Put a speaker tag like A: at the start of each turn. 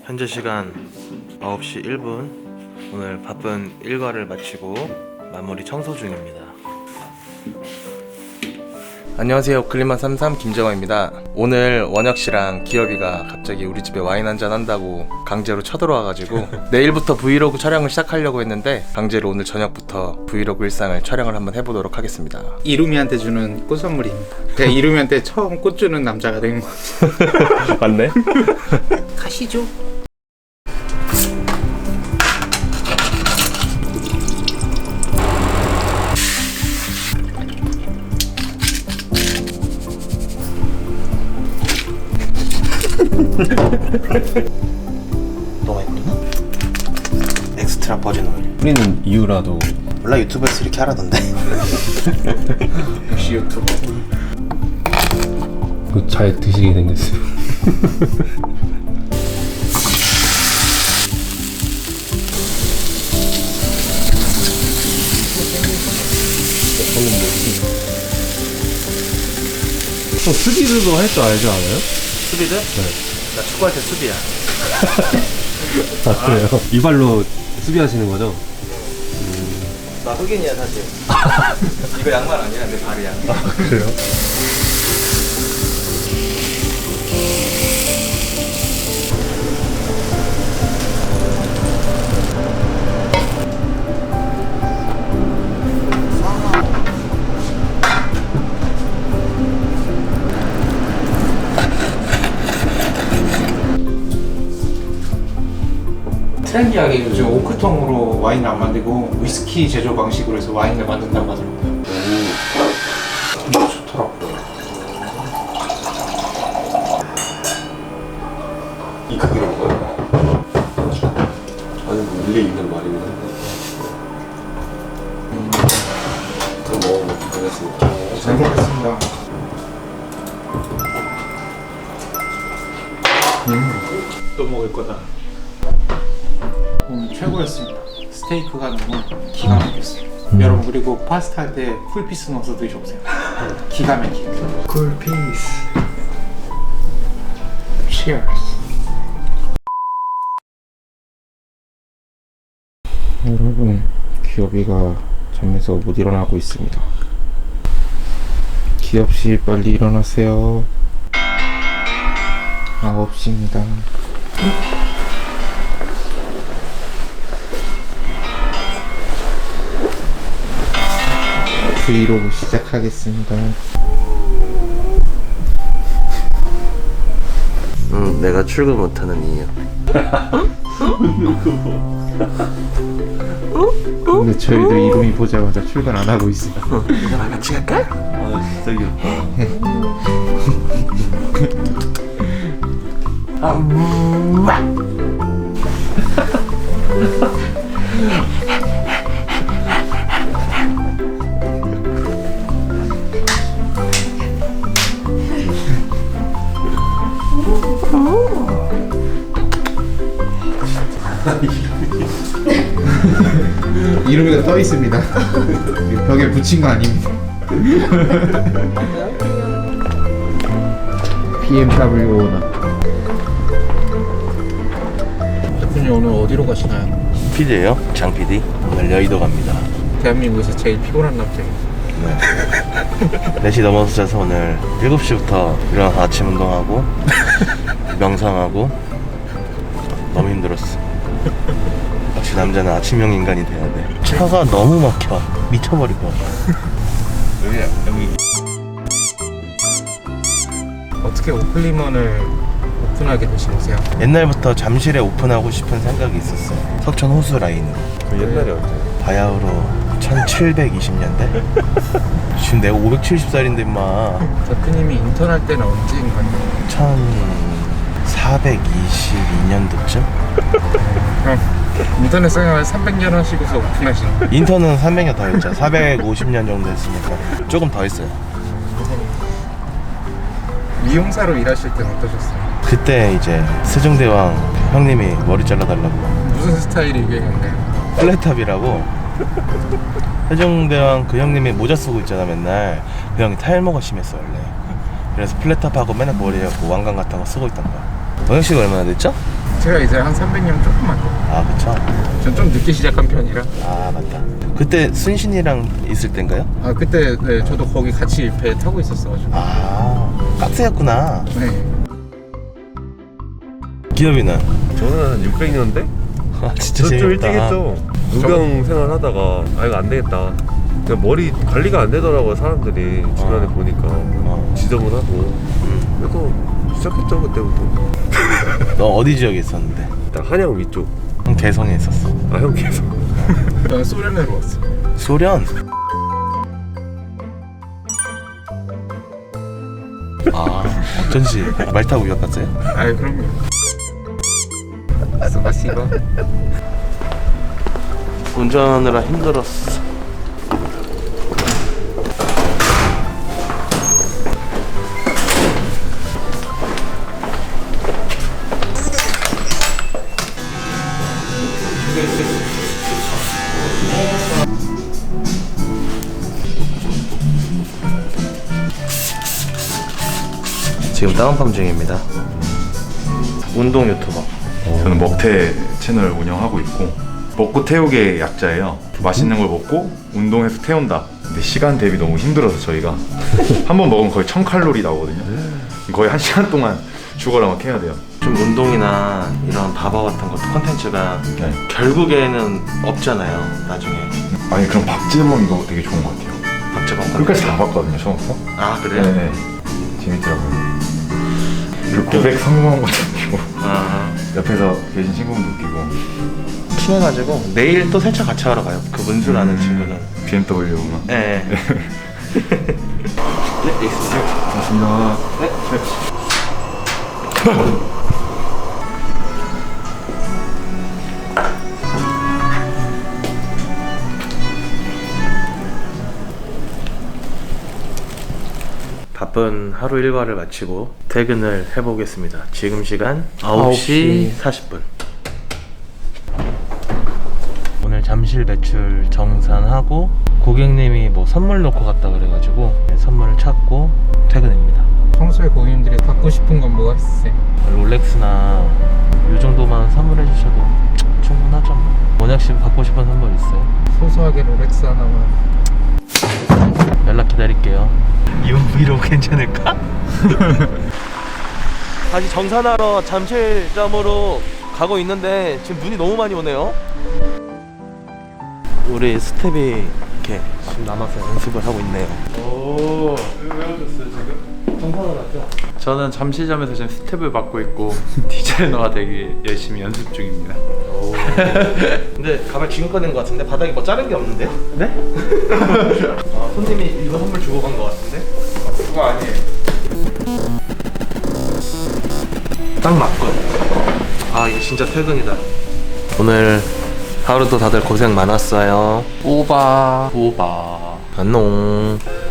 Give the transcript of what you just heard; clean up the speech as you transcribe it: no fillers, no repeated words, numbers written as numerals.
A: 현재 시간 9시 1분. 오늘 바쁜 일과를 마치고 마무리 청소 중입니다. 안녕하세요. 클리마33 김정화입니다. 오늘 원혁씨랑 기업이가 갑자기 우리 집에 와인 한잔 한다고 강제로 쳐들어와가지고 내일부터 브이로그 촬영을 시작하려고 했는데 강제로 오늘 저녁부터 브이로그 일상을 촬영을 한번 해보도록 하겠습니다.
B: 이루미한테 주는 꽃 선물입니다. 제가 이루미한테 처음 꽃 주는 남자가 된 것 같아요.
A: 맞네?
B: 가시죠.
A: 너가 했구나? 엑스트라 버진 오일.
C: 뿌리는 이유라도
A: 몰라, 유튜브에서 이렇게 하라던데.
B: 역시 유튜버.
C: 잘 드시게 생겼어요. 수비드도 할 줄 알지 않아요?
A: 수비드?
C: 네.
A: 나 축구할 때 수비야.
C: 아 그래요? 이발로 수비하시는 거죠?
A: 나 흑인이야 사실. 이거 양말 아니야, 내 발이야.
C: 아 그래요?
B: 트렌디하게 요즘 오크통으로 와인을 안 만들고 위스키 제조 방식으로 해서 와인을 만든다고 하더라고요. 좋더라고요.
C: 이 크기로 먹어요? 아니 뭐 일리 있는 말이긴 한데 그럼 먹어보겠습니다.
B: 잘 먹겠습니다. 또 먹을 거다. 오늘 최고였습니다. 스테이크가 너무 기가 막혔어요. 여러분 그리고 파스타 할 때 쿨피스 넣어서 드셔보세요. 기가 막혀요. 쿨피스. Cheers. 여러분 기업이가 잠에서 못 일어나고 있습니다. 기업씨 빨리 일어나세요. 9시입니다. 브이로그 시작하겠습니다.
A: 내가 출근 못하는 이유.
B: 근데 저희도 이름이 보자마자 출근 안 하고 있어요.
A: 이거랑 같이 갈까?
C: 아 진짜 귀엽다.
B: 이름이가 떠 있습니다. 벽에 붙인 거 아닙니다. BMW 오너. 대표님 오늘 어디로 가시나요?
A: PD예요? 장 PD. 오늘 여의도 갑니다.
B: 대한민국에서 제일 피곤한 남자예요.
A: 4시 넘어서 자서 오늘 7시부터 일어나서 아침 운동하고 명상하고 너무 힘들었어. 역시 남자는 아침형 인간이 돼야 돼. 차가 너무 막혀. 미쳐버릴 것 같아. 여기.
B: 어떻게 오클리먼을 오픈하게 되신 거세요?
A: 옛날부터 잠실에 오픈하고 싶은 생각이 있었어요. 석천 호수 라인으로.
C: 옛날에 언제?
A: 바야흐로 1720년대? 지금 내가 570살인데 임마.
B: 대표님이 인턴할 때는 언제인가요?
A: 1422년도쯤?
B: 인터넷 생활 300년 하시고서 오픈하신 거예요?
A: 인턴은 300년 더 했죠. 450년 정도 했으니까 조금 더 했어요.
B: 미용사로 일하실 때는 어떠셨어요?
A: 그때 이제 세종대왕 형님이 머리 잘라달라고.
B: 무슨 스타일이 유행했나요?
A: 플랫탑이라고. 세종대왕 그 형님이 모자 쓰고 있잖아 맨날. 그 형이 탈모가 심했어 원래. 그래서 플랫탑하고 맨날 머리에 왕관 같은 거 쓰고 있던 거야. 원혁씨가 얼마나 됐죠?
B: 제가 이제 한 300년 조금만 더.
A: 아 그쵸.
B: 전 좀 늦게 시작한 편이라.
A: 아 맞다. 그때 순신이랑 있을 땐가요?
B: 아 그때 네, 저도 거기 같이 배 타고 있었어가지고.
A: 아 깍스였구나.
B: 네.
A: 기업이는?
D: 저는 한 600년대?
A: 아 진짜
D: 좀
A: 재밌다.
D: 일찍 했죠. 무경 생활하다가 아 이거 안 되겠다. 그냥 머리 관리가 안 되더라고요 사람들이 주변에 보니까 지저분하고. 그래서 시작했죠 그때부터.
A: 너 어디 지역에 있었는데?
D: 일단 한양 위쪽.
A: 형 개성에 있었어.
D: 아 형 계속.
B: 저는 소련으로 왔어.
A: 소련? 아 어쩐지 말 타고 유학 갔어요?
B: 아 그럼요. 스파시바.
A: 운전하느라 힘들었어. 지금 다운펌 중입니다. 운동 유튜버.
E: 저는 먹태 채널 운영하고 있고 먹고 태우게 약자예요. 맛있는 걸 먹고 운동해서 태운다. 근데 시간 대비 너무 힘들어서 저희가 한 번 먹으면 거의 1000칼로리 나오거든요. 거의 1시간 동안 죽어라 막 해야 돼요.
A: 좀 운동이나 이런 바바 같은 것도 컨텐츠가
E: 네.
A: 결국에는 없잖아요. 나중에
E: 아니 그럼 박재범 이거 되게 좋은 것 같아요.
A: 박재범
E: 끝까지 다 봤거든요 처음부터.
A: 아 그래요?
E: 네. 재밌더라고요. 그리고 고백 성공한 것도 웃기고
A: 아
E: 옆에서 계신 친구분도 웃기고
A: 친해가지고 내일 또 세차 같이 하러 가요. 그 문수라는 친구는.
E: BMW 막.
A: 네. 네, 있으세요.
E: 고맙습니다.
A: 바쁜 하루 일과를 마치고 퇴근을 해보겠습니다. 지금 시간 9시 40분. 오늘 잠실 매출 정산하고 고객님이 뭐 선물 놓고 갔다 그래가지고 선물을 찾고 퇴근입니다.
B: 평소에 고객님들이 갖고 싶은 건 뭐가 있으세요?
A: 롤렉스나 이 정도만 선물해 주셔도 충분하죠. 원혁 씨 받고 싶은 선물 있어요?
B: 소소하게 롤렉스 하나만.
A: 연락 기다릴게요. 이번 브이로그 괜찮을까? 다시 정산하러 잠실점으로 가고 있는데 지금 눈이 너무 많이 오네요. 우리 스텝이 이렇게 지금 남아서 연습을 하고 있네요.
F: 오, 왜 오셨어요 지금?
A: 정산을 하죠?
F: 저는 잠시점에서 지금 스텝을 맡고 있고 디자이너가 되게 열심히 연습 중입니다.
A: 근데 가발 지금 꺼낸 것 같은데 바닥에 뭐 자른 게 없는데요? 네? 아, 손님이 이거 선물 주고 간 것 같은데?
F: 그거 아니에요.
A: 딱 맞군. 아 이거 진짜 퇴근이다. 오늘 하루도 다들 고생 많았어요.
F: 오바.
A: 안녕.